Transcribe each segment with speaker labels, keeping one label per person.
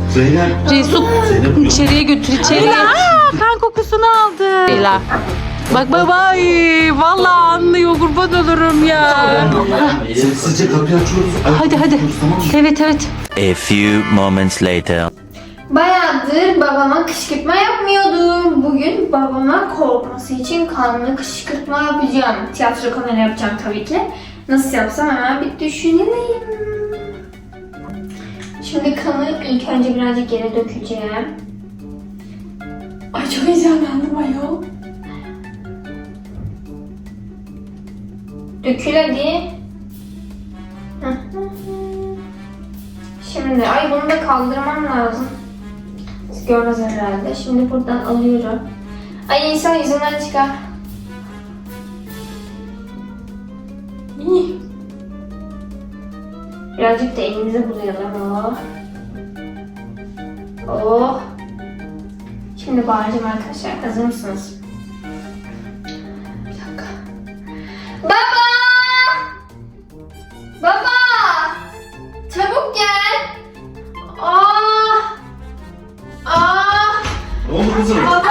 Speaker 1: Zeynep.
Speaker 2: Resul içeriye götür içeriye. Kan kokusunu aldı. Leyla. Bak baba vallahi anlıyor kurban olurum ya.
Speaker 1: Sessizce kapıyı açıyoruz.
Speaker 2: Hadi hadi.
Speaker 1: Tamam mı?
Speaker 2: Evet evet.
Speaker 3: A few moments later.
Speaker 4: Bayağıdır babama kışkırtma yapmıyordum. Bugün babama korkması için kanlı kışkırtma yapacağım. Tiyatro kamera yapacağım tabii ki. Nasıl yapsam hemen bir düşüneyim. Şimdi kanı ilk önce birazcık yere dökeceğim. Ay çok heyecanlandım ayol. Dökül hadi. Şimdi ay bunu da kaldırmam lazım. Siz görmez herhalde. Şimdi buradan alıyorum. Ay insan yüzünden çıkar. Birazcık da elimize bulayalım. Oh. Oh. Şimdi bağıracağım arkadaşlar. Hazır mısınız? Bir dakika. Baba! Baba! Çabuk gel.
Speaker 1: Ne oldu kızım?
Speaker 4: Baba!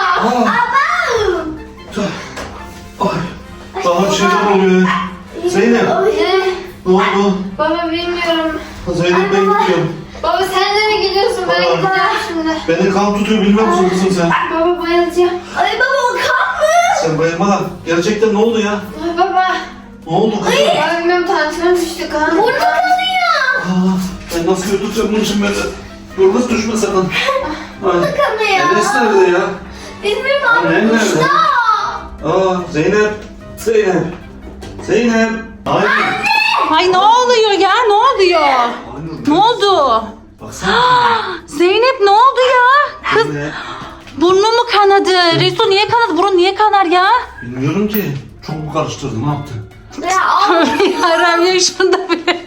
Speaker 1: Ay. Daha bir şeyler oluyor. Zeynep. Ne oldu?
Speaker 4: Baba bilmiyorum.
Speaker 1: Zeynep ben gidiyorum.
Speaker 4: Baba sen de mi gidiyorsun? Ben
Speaker 1: Baba.
Speaker 4: gideceğim şimdi.
Speaker 1: Beni kan tutuyor bilmem musun kızım sen?
Speaker 4: Baba bayılacağım. Ay baba o kan mı?
Speaker 1: Sen bayılma lan. Gerçekten ne oldu ya?
Speaker 4: Ay baba.
Speaker 1: Ne oldu kızım?
Speaker 4: Ay bilmiyorum tansiyonum düştü kan. Burnu kanıyor.
Speaker 1: Ben nasıl götüreceğim bunu şimdi böyle? Yolunuz düşme sakın. Burnu
Speaker 4: Kanıyor.
Speaker 1: Enes nerede ya?
Speaker 4: Bilmiyorum
Speaker 1: Annem
Speaker 4: abi.
Speaker 1: nerede?
Speaker 4: Uçta.
Speaker 1: Zeynep. Zeynep. Zeynep. Ay.
Speaker 2: Ay ne oluyor ya ne oluyor?
Speaker 1: Aynur.
Speaker 2: Ne oldu?
Speaker 1: Baksana.
Speaker 2: Zeynep ne oldu ya? Kız
Speaker 1: Zeynep.
Speaker 2: burnu mu kanadı? Resul niye kanadı? Burun niye kanar ya?
Speaker 1: Bilmiyorum ki. Çok mu karıştırdı? Ne yaptı?
Speaker 4: Ya al.
Speaker 2: Yaram ya şunda bile.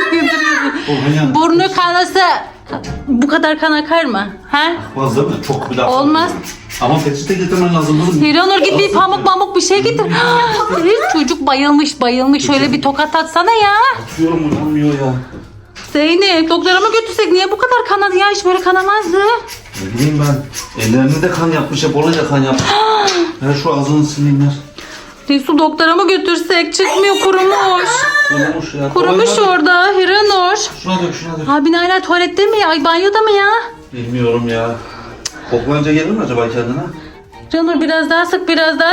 Speaker 1: Olmayan.
Speaker 2: Burnu kanasa bu kadar kan akar mı? Ha?
Speaker 1: Akmaz değil mi? Çok bir daha.
Speaker 2: Olmaz.
Speaker 1: Ama peçete getirmen lazım kızım.
Speaker 2: Hiranur git bir pamuk bir şey getir. Çocuk bayılmış. Şöyle bir tokat atsana ya.
Speaker 1: Atıyorum uyanmıyor ya.
Speaker 2: Zeynep doktora mı götürsek niye bu kadar kanadı ya? Hiç böyle kanamazdı.
Speaker 1: Ne bileyim ben. Ellerini de kan yapmış. Hep oraya kan yapmış. Ver şu ağzını sileyim.
Speaker 2: Resul doktora mı götürsek? Çıkmıyor kurumuş.
Speaker 1: Kurumuş ya.
Speaker 2: Kurumuş
Speaker 1: Kolay gelsin.
Speaker 2: orada Hiranur.
Speaker 1: Şuna dök şuna dök.
Speaker 2: Abin hala tuvalette mi? Ay banyoda mı ya?
Speaker 1: Bilmiyorum ya. Koklayınca gelir mi acaba kendine?
Speaker 2: Hiranur biraz daha sık.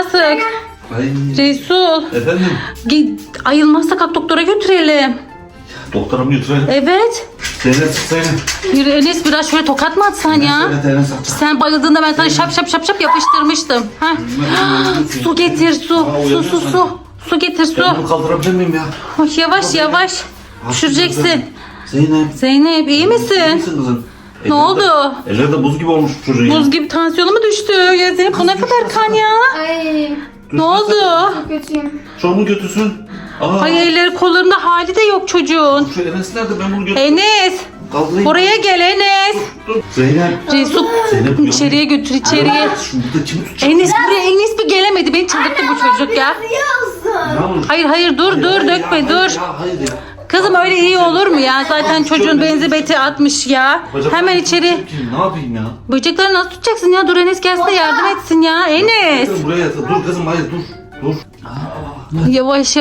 Speaker 1: Ay.
Speaker 2: Resul.
Speaker 1: Efendim?
Speaker 2: Ayılmazsa kalk doktora götürelim.
Speaker 1: Doktora mı götürelim?
Speaker 2: Evet.
Speaker 1: Zeynep sık Zeynep.
Speaker 2: Yürü Enes biraz şöyle tokat mı atsan ya?
Speaker 1: Evet Enes atacak.
Speaker 2: Sen bayıldığında ben sana şap yapıştırmıştım. Ha? Su getir su. Su getir su.
Speaker 1: Ben bunu kaldırabilir miyim ya?
Speaker 2: Ay, yavaş. Düşüreceksin.
Speaker 1: Zeynep.
Speaker 2: Zeynep iyi
Speaker 1: İyi
Speaker 2: misin?
Speaker 1: misin kızım?
Speaker 2: Ne oldu?
Speaker 1: Elleri de buz gibi olmuş çocuğun ya.
Speaker 2: Buz gibi tansiyonu mu düştü? Ya Zeynep bu ne kadar kan ya?
Speaker 4: Ay
Speaker 2: Ne oldu?
Speaker 4: çok kötüyüm.
Speaker 1: Şu mu götürsün? Aa,
Speaker 2: Ay elleri kollarında hali de yok çocuğun.
Speaker 1: şu Enes nerede? Ben bunu götüreyim.
Speaker 2: Enes.
Speaker 1: Kaldırayım.
Speaker 2: Buraya gel Enes.
Speaker 1: Dur. Zeynep.
Speaker 2: Resul
Speaker 1: Zeynep
Speaker 2: içeriye götür içeriye.
Speaker 1: Şurada kimi tutacak?
Speaker 2: Enes buraya Enes bir gelemedi. Beni çıldırttı bu çocuk ya.
Speaker 1: Ne olur?
Speaker 2: Hayır dur
Speaker 1: Hayır
Speaker 2: dökme
Speaker 1: ya,
Speaker 2: dur.
Speaker 1: Hayır ya, hayır ya.
Speaker 2: Kızım öyle iyi olur mu ya? Zaten çocuğun benzi beti atmış ya.
Speaker 1: Bacaklarımı
Speaker 2: Hemen içeri.
Speaker 1: tutacak ki, ne yapayım ya?
Speaker 2: Böcekleri nasıl tutacaksın ya? Dur Enes gelsin de yardım etsin ya. Enes.
Speaker 1: Kızım buraya yat. Dur kızım hayır dur.
Speaker 2: Yavaş.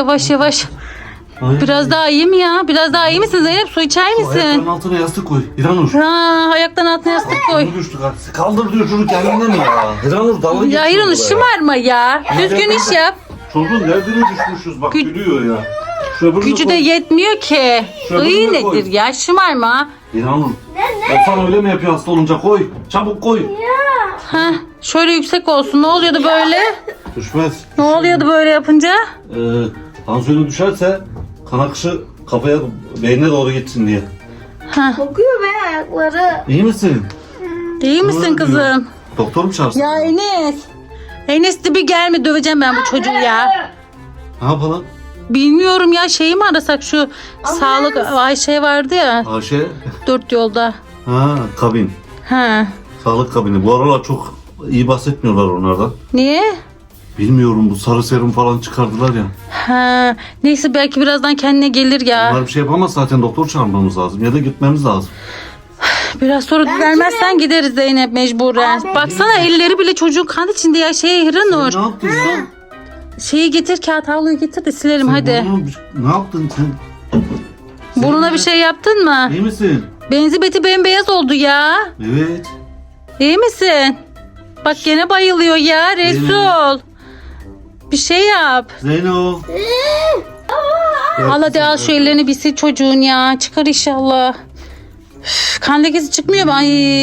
Speaker 1: Hayır.
Speaker 2: Biraz daha iyi mi ya? Biraz daha iyi misin Zeynep? Su içer
Speaker 1: Ayaklarının
Speaker 2: misin?
Speaker 1: altına yastık koy. İranur.
Speaker 2: Ha, ayaklarının altına yastık koy.
Speaker 1: Bunu düştü kardeşim. Kaldır diyor çocuk kendine mi ya? İranur dalga
Speaker 2: Ya hayır onu
Speaker 1: buraya.
Speaker 2: şımarma ya. Düzgün iş yap.
Speaker 1: Çocuğun derdine düşmüşüz bak gülüyor ya. Şuraya bunu
Speaker 2: Gücü de
Speaker 1: koy.
Speaker 2: yetmiyor ki.
Speaker 1: Şöyle
Speaker 2: İyi
Speaker 1: bunu koy.
Speaker 2: nedir ya? Şımarma.
Speaker 1: İranur. Efsan öyle mi yapıyor hasta olunca koy. Çabuk koy.
Speaker 2: Ha, şöyle yüksek olsun. Ne oluyordu böyle?
Speaker 1: Düşmez.
Speaker 2: Ne oluyordu böyle yapınca?
Speaker 1: Tansiyonu düşerse kan akışı kafaya beynine doğru gitsin diye.
Speaker 2: Ha,
Speaker 4: Kokuyor be ayakları.
Speaker 1: İyi misin?
Speaker 2: iyi misin kızım?
Speaker 1: Doktor mu çağırsın?
Speaker 2: Ya Enes. Enes de bir gelme döveceğim ben bu çocuğu ya.
Speaker 1: Ne yapalım?
Speaker 2: Bilmiyorum ya şeyi mi arasak şu sağlık Ayşe vardı ya
Speaker 1: Ayşe.
Speaker 2: 4 yolda.
Speaker 1: Ha kabin.
Speaker 2: Ha.
Speaker 1: Sağlık kabini. Bu aralar çok iyi bahsetmiyorlar onlardan.
Speaker 2: Niye?
Speaker 1: Bilmiyorum bu sarı serum falan çıkardılar ya.
Speaker 2: Ha. Neyse belki birazdan kendine gelir ya.
Speaker 1: Onlar bir şey yapamaz zaten doktor çağırmamız lazım ya da gitmemiz lazım.
Speaker 2: Biraz sonra düzelmezsen gideriz Zeynep mecburen. Baksana elleri bile çocuğun kan içinde ya. Hiranur.
Speaker 1: Ne yaptın ya?
Speaker 2: Şeyi getir, kağıt havluyu getir de silelim hadi.
Speaker 1: Ne yaptın sen?
Speaker 2: Burnuna bir şey yaptın mı?
Speaker 1: İyi misin?
Speaker 2: Benzi beti bembeyaz oldu ya.
Speaker 1: Evet.
Speaker 2: İyi misin? Bak gene bayılıyor ya Resul. Bir şey yap.
Speaker 1: Zeyno.
Speaker 2: Al hadi al şu ellerini bir sil çocuğun ya. Çıkar inşallah. Üf, kan lekesi çıkmıyor mu? Ay.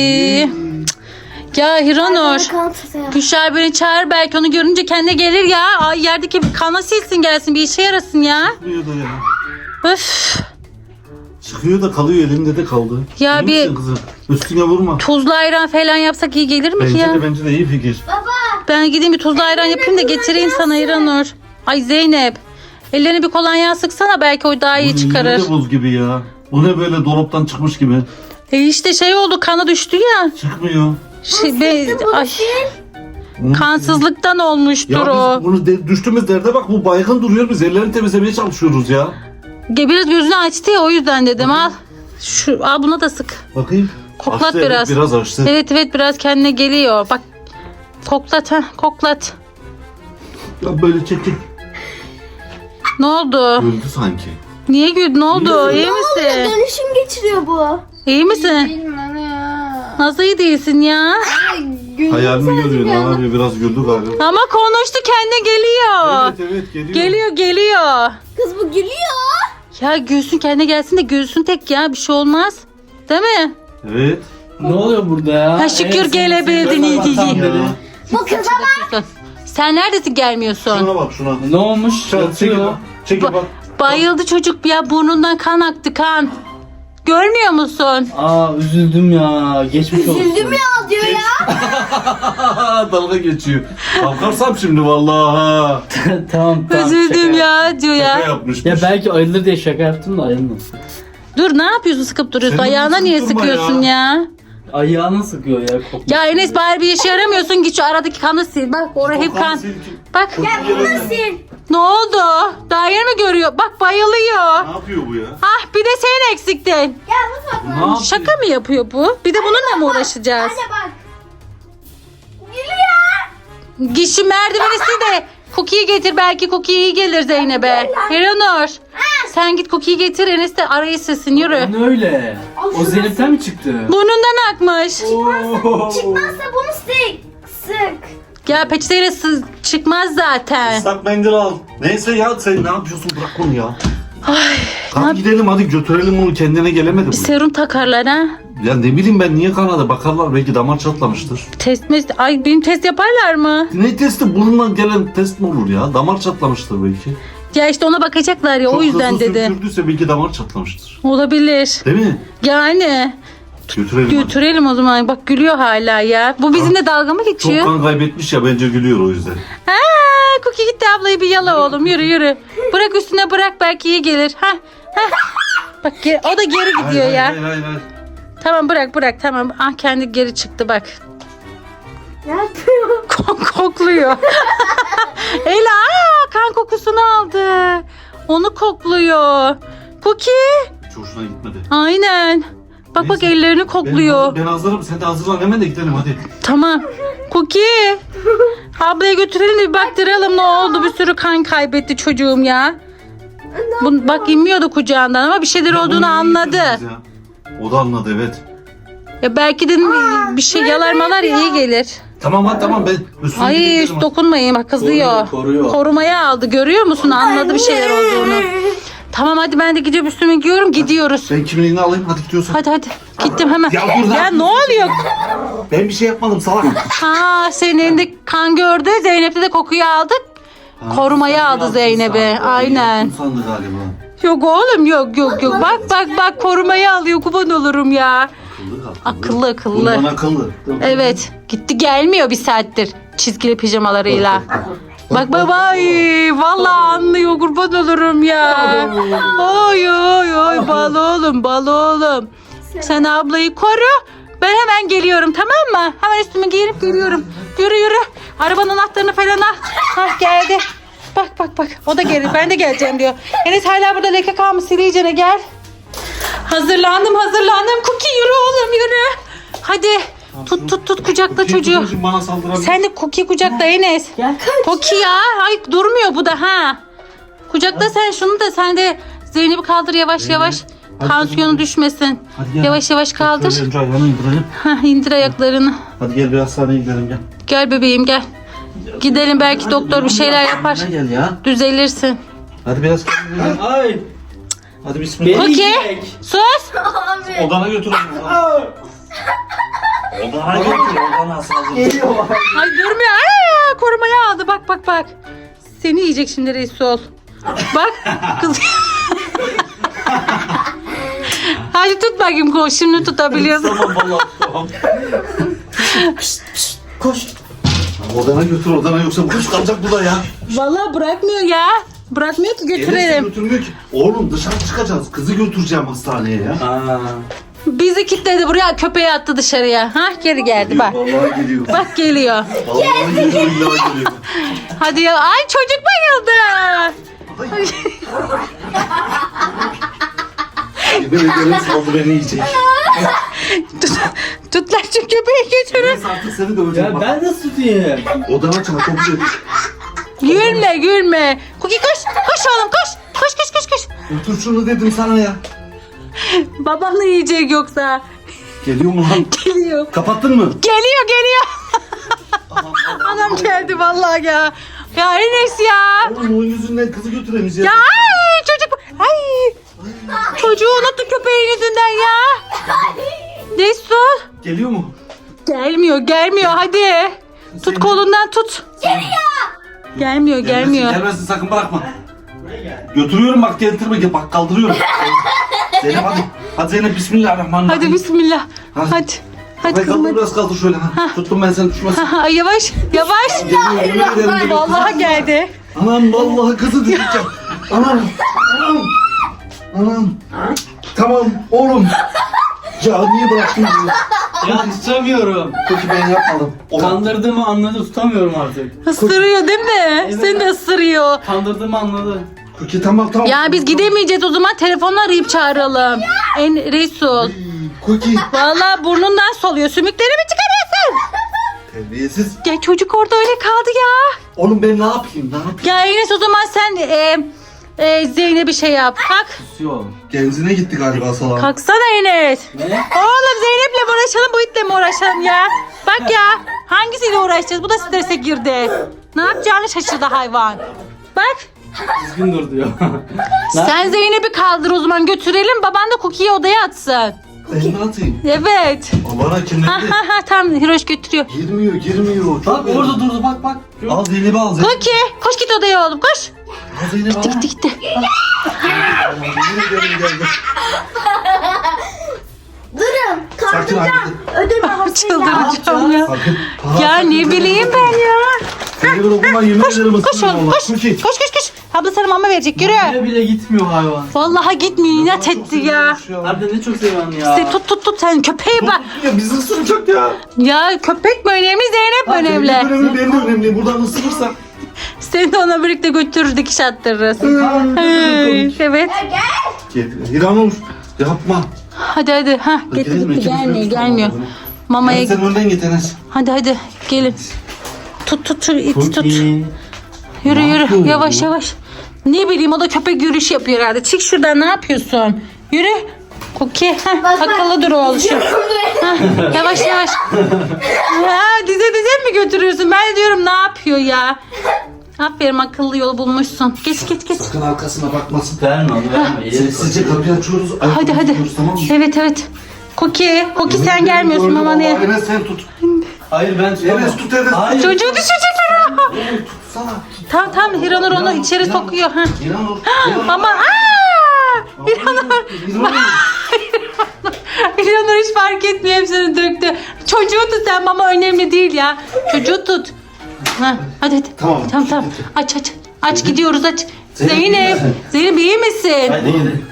Speaker 2: Cık. Ya Hiranur. Gülşah beni çağır, belki onu görünce kendine gelir ya. Ay yerdeki kanı silsin gelsin, bir işe yarasın ya.
Speaker 1: Çıkmıyor da ya.
Speaker 2: Öf.
Speaker 1: Çıkıyor da kalıyor, elinde de kaldı.
Speaker 2: Ya
Speaker 1: İyi
Speaker 2: bir-
Speaker 1: misin kızım? Üstüne vurma.
Speaker 2: Tuzlu ayran falan yapsak iyi gelir mi ki ya?
Speaker 1: Bence de iyi fikir.
Speaker 2: Ben gideyim bir tuzlu ayran yapayım da getireyim sana Hiranur. Ay Zeynep. Ellerine bir kolonya sıksana, belki o daha iyi
Speaker 1: Bu
Speaker 2: çıkarır.
Speaker 1: yine de buz gibi ya. Bu ne böyle dolaptan çıkmış gibi.
Speaker 2: İşte şey oldu, kanı düştü ya.
Speaker 1: Çıkmıyor.
Speaker 2: Ay,
Speaker 1: Bunu-
Speaker 2: kansızlıktan olmuştur
Speaker 1: Ya
Speaker 2: o.
Speaker 1: biz bunu düştüğümüz derde bak, bu baygın duruyor, biz ellerini temizlemeye çalışıyoruz ya.
Speaker 2: Biraz gözünü açtı ya, o yüzden dedim al. Al buna da sık.
Speaker 1: Bakayım.
Speaker 2: Koklat
Speaker 1: Açtı, evet,
Speaker 2: biraz.
Speaker 1: biraz açtı.
Speaker 2: Evet biraz kendine geliyor. Bak koklat koklat.
Speaker 1: Ya böyle çektik.
Speaker 2: Ne oldu?
Speaker 1: Öldü sanki.
Speaker 2: Niye güldün? Ne oldu? İyi misin?
Speaker 5: Dönüşüm geçiriyor bu.
Speaker 2: İyi misin?
Speaker 4: Bilmem ya.
Speaker 2: Nasıl iyi değilsin ya?
Speaker 1: Hayalini görüyor. Ne yapıyor? Biraz güldü galiba.
Speaker 2: Ama konuştu, kendine geliyor.
Speaker 1: Evet geliyor.
Speaker 2: Geliyor.
Speaker 5: Kız bu gülüyor.
Speaker 2: Ya gülsün, kendine gelsin de gülsün tek ya, bir şey olmaz. Değil mi?
Speaker 1: Evet.
Speaker 6: Ne oluyor burada ya?
Speaker 2: Ha, şükür gelebildin, iyi, iyi.
Speaker 1: Ya.
Speaker 5: Bu kıza bak.
Speaker 2: Sen neredesin, gelmiyorsun?
Speaker 1: Şuna bak şuna.
Speaker 6: Ne olmuş?
Speaker 1: Çekil bak. Çekil bak.
Speaker 2: Bayıldı çocuk ya, burnundan kan aktı, kan. Görmüyor musun?
Speaker 6: Aa üzüldüm ya. Geçmiş olsun.
Speaker 5: Üzüldüm ya diyor ya.
Speaker 1: Dalga geçiyor. Kalkarsam şimdi vallahi.
Speaker 6: tamam.
Speaker 2: Üzüldüm
Speaker 6: şaka
Speaker 2: ya diyor
Speaker 1: Ne
Speaker 2: ya.
Speaker 1: yapmışmış.
Speaker 6: Ya belki ayılır diye şaka yaptım da ayılmasın.
Speaker 2: Dur, ne yapıyorsun, sıkıp duruyorsun?
Speaker 1: Sen de
Speaker 2: Ayağına niye
Speaker 1: sıkılma
Speaker 2: sıkıyorsun ya?
Speaker 6: Ayağını sıkıyor ya. Kokmuş.
Speaker 2: Ya Enes, bari bir işe yaramıyorsun, git şu aradaki kanı sil. Bak oraya hep kan. Bak ne oldu? Daha yeni mi görüyor? Bak bayılıyor.
Speaker 1: Ne yapıyor bu ya?
Speaker 2: Ah, bir de sen eksiktin.
Speaker 1: Ne yapıyor?
Speaker 2: Şaka mı yapıyor bu? Bir de bununla mı uğraşacağız?
Speaker 5: Anne bak. Gülüyor.
Speaker 2: Git şu merdiveni sil de Cookie'yi getir, belki Cookie iyi gelir Zeynep'e. Hiranur, sen git Cookie'yi getir, Enes de arayı silsin, yürü.
Speaker 6: Ne öyle? O Zeynep'ten mi çıktı?
Speaker 2: Burnundan akmış.
Speaker 5: Çıkmazsa bunu sık.
Speaker 2: Ya peçeteyle çıkmaz zaten.
Speaker 1: Islak mendil al. Neyse ya, sen ne yapıyorsun, bırak bunu ya.
Speaker 2: Ay,
Speaker 1: Hadi gidelim, hadi götürelim onu, kendine gelemedi bu.
Speaker 2: serum takarlar ha.
Speaker 1: Ya ne bileyim ben, niye kanadı, bakarlar belki damar çatlamıştır.
Speaker 2: Ay, benim test yaparlar mı?
Speaker 1: Ne testi, burnundan gelen test mi olur ya? Damar çatlamıştır belki.
Speaker 2: Ya işte ona bakacaklar ya,
Speaker 1: Çok
Speaker 2: o yüzden
Speaker 1: hızlı
Speaker 2: dedim.
Speaker 1: sürtürdüyse belki damar çatlamıştır.
Speaker 2: Olabilir.
Speaker 1: Değil mi?
Speaker 2: Yani
Speaker 1: Götürelim hadi.
Speaker 2: götürelim o zaman. Bak gülüyor hala ya. Bu bizimle dalga mı
Speaker 1: Çok
Speaker 2: geçiyor?
Speaker 1: kan kaybetmiş ya, bence gülüyor o yüzden.
Speaker 2: Ha, Cookie gitti, ablayı bir yala oğlum, yürü. Bırak üstüne, bırak, belki iyi gelir. Ha. Bak o da geri gidiyor ya.
Speaker 1: Hayır.
Speaker 2: Tamam bırak tamam. Ah, kendi geri çıktı bak.
Speaker 5: Ne yapıyor?
Speaker 2: Kokluyor. Ela kan kokusunu aldı. Onu kokluyor. Cookie.
Speaker 1: Hiç hoşuna gitmedi.
Speaker 2: Aynen. Bak
Speaker 1: Neyse.
Speaker 2: ellerini kokluyor.
Speaker 1: Ben hazırım, sen de hazırlan, hemen de gidelim hadi.
Speaker 2: Tamam. Cookie. Ablaya götürelim de bir baktıralım ne oldu. Bir sürü kan kaybetti çocuğum ya. Bak inmiyordu kucağından ama bir şeyler
Speaker 1: Ya bunu
Speaker 2: olduğunu
Speaker 1: niye
Speaker 2: anladı.
Speaker 1: getirdiniz ya? O da anladı, evet.
Speaker 2: Ya belki de bir şey yalarmalar iyi gelir.
Speaker 1: Tamam ben üstüne
Speaker 2: Ay
Speaker 1: gidelim
Speaker 2: hiç
Speaker 1: hadi.
Speaker 2: dokunmayın, bak kızıyor.
Speaker 6: Koruyor.
Speaker 2: Korumaya aldı, görüyor musun? Anladı bir şeyler olduğunu. Tamam hadi, ben de gidiyorum, üstüme giyiyorum, gidiyoruz.
Speaker 1: Ben kimliğini alayım, hadi gidiyorsun.
Speaker 2: Hadi gittim hemen.
Speaker 1: Ya dur,
Speaker 2: Ya ne oluyor?
Speaker 1: Ben bir şey yapmadım salak.
Speaker 2: Ha, senin elinde kan gördü, Zeynep'te de kokuyu aldık. Korumaya aldı Zeynep'i. Aynen.
Speaker 1: Yaptım sandı galiba.
Speaker 2: Yok oğlum, yok. Bak korumaya alıyor, kurban olurum ya. Akıllı.
Speaker 1: Bundan akıllı.
Speaker 2: Evet, gitti gelmiyor bir saattir çizgili pijamalarıyla. Bak ay vallahi anlıyor, kurban olurum ya. Oy bal oğlum. Sen ablayı koru. Ben hemen geliyorum, tamam mı? Hemen üstümü giyinip geliyorum. Yürü. Arabanın anahtarını falan al. Hah, geldi. Bak. O da gelir. Ben de geleceğim diyor. Enes hala burada leke kalmış. Siliyeceğine gel. Hazırlandım. Cookie yürü oğlum yürü. Hadi tut kucakla çocuğu.
Speaker 1: Şimdi bana saldırabilir.
Speaker 2: Sen de Cookie kucakla Enes. Cookie ya. Ay durmuyor bu da ha. Kucakla sen şunu da sen de Zeynep'i kaldır yavaş yavaş.
Speaker 1: Hadi
Speaker 2: Tansiyonu
Speaker 1: kızım.
Speaker 2: düşmesin.
Speaker 1: Hadi gel.
Speaker 2: Yavaş yavaş kaldır.
Speaker 1: Şöyle önce ayağını indirelim.
Speaker 2: Hah, indir ayaklarını.
Speaker 1: Hadi gel bir hastaneye gidelim gel.
Speaker 2: Gel bebeğim gel. Gidelim belki doktor bir şeyler yapar.
Speaker 1: Ne gel ya.
Speaker 2: Düzelirsin.
Speaker 1: Hadi biraz kendine gel.
Speaker 6: Ay.
Speaker 1: Hadi bismillah.
Speaker 6: Beni
Speaker 2: Cookie
Speaker 6: yiyecek.
Speaker 2: sus.
Speaker 5: Abi.
Speaker 1: Odana götür onu. Odana götür. Odana saldırır.
Speaker 6: Geliyor.
Speaker 2: Ay durmuyor. Aa, korumaya aldı bak. Seni yiyecek şimdi Resul. Bak kız. Hadi tut bakayım koş. Şimdi tutabiliyorsun.
Speaker 1: Tamam vallahi tamam.
Speaker 6: Koş.
Speaker 1: Odana götür odana yoksa kuş kalacak burada ya.
Speaker 2: Vallahi bırakmıyor ya. Bırakmıyor ki
Speaker 1: Enes'i
Speaker 2: götürelim.
Speaker 1: götürmüyor ki. Oğlum dışarı çıkacağız. Kızı götüreceğim hastaneye ya.
Speaker 6: Aa.
Speaker 2: Bizi kilitledi buraya, köpeği attı dışarıya. Ha geri geldi bak.
Speaker 1: Vallahi geliyor.
Speaker 2: Bak geliyor.
Speaker 1: Vallahi geliyor. Billahi geliyor.
Speaker 2: Hadi ya. Ay çocuk bayıldı.
Speaker 1: Yemin ederim saldı beni yiyecek.
Speaker 2: Tutlar şu köpeği götürün.
Speaker 1: Enes artık seni döveceğim.
Speaker 6: Ya
Speaker 1: bak.
Speaker 6: ben nasıl tutayım?
Speaker 1: Odana çal kapı götür.
Speaker 2: Gülme. Cookie koş. Koş oğlum koş. Koş.
Speaker 1: Götür şunu dedim sana ya.
Speaker 2: Babanı yiyecek yoksa.
Speaker 1: Geliyor mu lan?
Speaker 2: Geliyor.
Speaker 1: Kapattın mı?
Speaker 2: Geliyor. Anam geldi vallahi ya. Ya Enes ya.
Speaker 1: Oğlum onun yüzünden kızı götüremeyeceğiz.
Speaker 2: Ya ay çocuk. Ay. Çocuğu unuttu köpeğin yüzünden ya. Resul.
Speaker 1: Geliyor mu?
Speaker 2: Gelmiyor hadi. Tut kolundan tut. Gelmiyor.
Speaker 1: Gelmezsin sakın bırakma. Götürüyorum bak getirme bak kaldırıyorum. Zeynep hadi. Hadi Zeynep bismillahirrahmanirrahim.
Speaker 2: Hadi bismillah.
Speaker 1: Hadi.
Speaker 2: Hadi
Speaker 1: Kafayı
Speaker 2: kızım
Speaker 1: kaldır
Speaker 2: hadi.
Speaker 1: biraz kaldır şöyle. Ha. Tuttum ben seni düşmesin.
Speaker 2: Ha, yavaş.
Speaker 1: Geliyor yemin ederim geliyor.
Speaker 2: Vallahi geldi.
Speaker 1: Anam vallahi kızı düşeceğim. Anam. Tamam oğlum. Ya niye bıraktın bizi?
Speaker 6: Ya tutamıyorum.
Speaker 1: Peki ben yapmadım.
Speaker 6: Kandırdığımı anladı, tutamıyorum artık.
Speaker 2: Isırıyor değil mi? Seni de ısırıyor.
Speaker 6: Kandırdığımı anladı.
Speaker 1: Peki tamam.
Speaker 2: Ya biz gidemeyeceğiz o zaman telefonla arayıp çağıralım. Resul.
Speaker 1: Cookie.
Speaker 2: Vallahi burnundan soluyor. Sümükleri mi çıkarıyorsun?
Speaker 1: Terbiyesiz.
Speaker 2: Ya çocuk orada öyle kaldı ya.
Speaker 1: Oğlum ben ne yapayım?
Speaker 2: Ya Enes o zaman sen Zeynep'e şey yap. Kalk.
Speaker 6: Yok.
Speaker 1: Genzine gitti galiba salak.
Speaker 2: Kalksana Enes.
Speaker 6: Ne?
Speaker 2: Oğlum Zeynep'le mi uğraşalım bu itle mi uğraşalım ya? Bak ya hangisiyle uğraşacağız? Bu da strese girdi. Ne yapacağını şaşırdı hayvan. Bak
Speaker 6: Düzgün dur diyor.
Speaker 2: sen Zeynep'i kaldır o zaman götürelim. Baban da Cookie'yi odaya atsın.
Speaker 1: Ben ne atayım?
Speaker 2: Evet.
Speaker 1: Bana
Speaker 2: Ha
Speaker 1: kimlendi?
Speaker 2: ha ha tamam Hiroş götürüyor.
Speaker 1: Girmiyor. Çok
Speaker 6: Bak orada durdu bak.
Speaker 1: Al Zeynep'i al.
Speaker 2: Cookie koş git odaya oğlum koş.
Speaker 1: Al Zeynep'i al.
Speaker 2: Gitti.
Speaker 1: Yemin ederim geldi.
Speaker 5: Durun.
Speaker 1: Sakin
Speaker 5: Kaldıracağım.
Speaker 1: abi.
Speaker 5: Ödül havasıyla.
Speaker 2: Çıldıracağım ya.
Speaker 1: Sakın.
Speaker 2: Ya ne bileyim ben ya.
Speaker 1: Seni bırakma yemin ederim
Speaker 2: Koş
Speaker 1: ısırırım
Speaker 2: oğlum
Speaker 1: valla.
Speaker 2: koş.
Speaker 1: Cookie.
Speaker 2: Koş. Abla sana mama verecek yürü.
Speaker 6: Bile gitmiyor hayvan.
Speaker 2: Vallahi gitmiyor inat etti ya.
Speaker 6: Harbiden ne çok seviyorum ya.
Speaker 2: İşte tut sen köpeğe bak.
Speaker 1: Ya bizi ısıracak ya.
Speaker 2: Ya köpek mi önemli Zeynep mi önemli?
Speaker 1: Benim önemli benim de önemli. Buradan ısırırsa.
Speaker 2: Seni de ona birlikte götürür dikiş attırırız. Evet.
Speaker 1: İranur yapma.
Speaker 2: Hadi. Ha
Speaker 1: Gidelim,
Speaker 2: gitti
Speaker 1: ikimiz
Speaker 2: gelmiyor
Speaker 1: birlikte
Speaker 2: gelmiyor.
Speaker 1: tutalım.
Speaker 2: Mamaya
Speaker 1: Yani sen önden git Enes.
Speaker 2: hadi gelin. Tut iti tut.
Speaker 6: Cookie.
Speaker 2: Yürü
Speaker 1: yapıyor
Speaker 2: yavaş. Ne bileyim o da köpek yürüyüşü yapıyor herhalde. Çık şuradan ne yapıyorsun? Yürü. Cookie. Akıllı dur oğlum. Yavaş. Ha, dize mi götürüyorsun? Ben de diyorum ne yapıyor ya? Aferin akıllı yol bulmuşsun. Geç.
Speaker 1: Sakın arkasına bakmasın.
Speaker 6: Verme onu verme.
Speaker 1: Sessizce kapıyı açıyoruz.
Speaker 2: Hadi.
Speaker 1: Gidiyoruz, tamam mı?
Speaker 2: Evet. Cookie sen gelmiyorsun
Speaker 1: Gördüm
Speaker 2: mama ne?
Speaker 1: vallahi. Enes sen tut.
Speaker 6: Hayır ben tutamam.
Speaker 1: Enes tut Enes.
Speaker 6: Hayır.
Speaker 2: Çocuğu düşecekler ha.
Speaker 1: Tutsana.
Speaker 2: Tamam Hiranur onu içeri sokuyor. Ha.
Speaker 1: İranur.
Speaker 2: Ama Hiranur hiç fark etmiyor hepsini döktü. Çocuğu tut sen mama önemli değil ya. Çocuğu tut. Ha, hadi.
Speaker 1: Tamam.
Speaker 2: Aç gidiyoruz aç.
Speaker 1: Zeynep,
Speaker 2: Zeynep iyi misin?
Speaker 6: Hadi gidelim.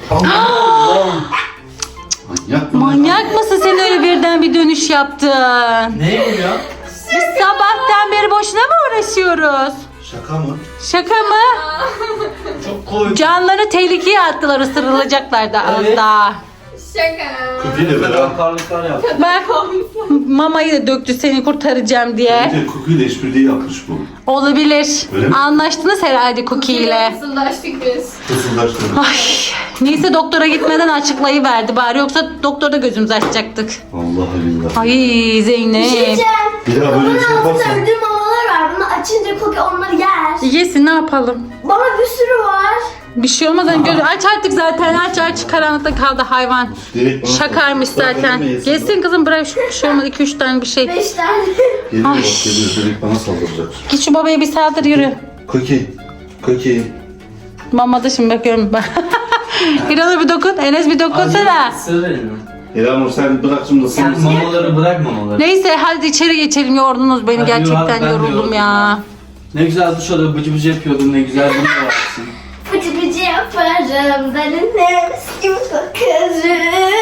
Speaker 2: Manyak mısın sen öyle birden bir dönüş yaptın?
Speaker 6: Ne ya?
Speaker 2: Biz sabahtan beri boşuna mı uğraşıyoruz?
Speaker 1: Şaka mı?
Speaker 2: Şaka mı?
Speaker 6: Çok koy.
Speaker 2: Canlarını tehlikeye attılar, ısırılacaklar da az
Speaker 6: Evet.
Speaker 2: daha.
Speaker 4: Şaka.
Speaker 1: Köküyle beraber.
Speaker 6: Karlıklar yaptı.
Speaker 2: Bak mamayı da döktü seni kurtaracağım diye.
Speaker 1: Bence Cookie'yle işbirliği yapmış bu.
Speaker 2: Olabilir.
Speaker 1: Öyle mi?
Speaker 2: Anlaştınız herhalde Cookie ile.
Speaker 4: Fısıldaştık biz.
Speaker 1: Fısıldaştırmış.
Speaker 2: Ay, neyse doktora gitmeden açıklayıverdi bari, yoksa doktorda gözümüzü açacaktık.
Speaker 1: Vallahi billahi.
Speaker 2: Ay
Speaker 5: Bir şey
Speaker 2: Zeynep.
Speaker 5: diyeceğim.
Speaker 1: Bir daha böyle bir şey
Speaker 5: Bunun altında
Speaker 1: yaparsan.
Speaker 5: ödül mamalar var. Bunu açınca Cookie onları yer.
Speaker 2: Yesin, ne yapalım?
Speaker 5: Baba bir sürü var.
Speaker 2: Bir şey olmaz. Hani gözü aç artık zaten, aç karanlıkta kaldı hayvan.
Speaker 1: Direkt bana
Speaker 2: Şakaymış
Speaker 1: sal. Bırak
Speaker 2: zaten.
Speaker 1: elime yesin.
Speaker 2: Yesin kızım, bırak bir şey olmadı, 2-3 tane bir şey.
Speaker 5: 5 tane.
Speaker 1: Geliyor
Speaker 2: Ay.
Speaker 1: bak geliyor. Direkt bana saldıracak.
Speaker 2: Git şu babaya bir saldır, yürü.
Speaker 1: Cookie.
Speaker 2: Mama da şimdi bakıyorum ben. İran'a bir dokun, Enes bir dokunsana.
Speaker 6: Sır elini.
Speaker 1: İlhanur sen bırak şimdi
Speaker 6: Sen
Speaker 1: ısınsın.
Speaker 6: mamaları bırak mamaları.
Speaker 2: Neyse hadi içeri geçelim, yordunuz beni
Speaker 6: Hadi
Speaker 2: gerçekten,
Speaker 6: ben de
Speaker 2: yoruldum
Speaker 6: yoruldum
Speaker 2: ya.
Speaker 6: Ne güzel duş alıyor, bıcı bıcı yapıyordun, ne güzel bunu da varsın.
Speaker 5: Fıcı fıcı yaparım. Delinemiş gibi kokarım.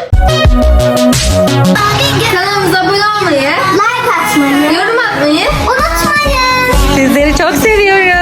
Speaker 4: Kanalımıza abone olmayı,
Speaker 5: Like atmayı.
Speaker 4: yorum atmayı
Speaker 5: Unutmayın.
Speaker 2: Sizleri çok seviyorum.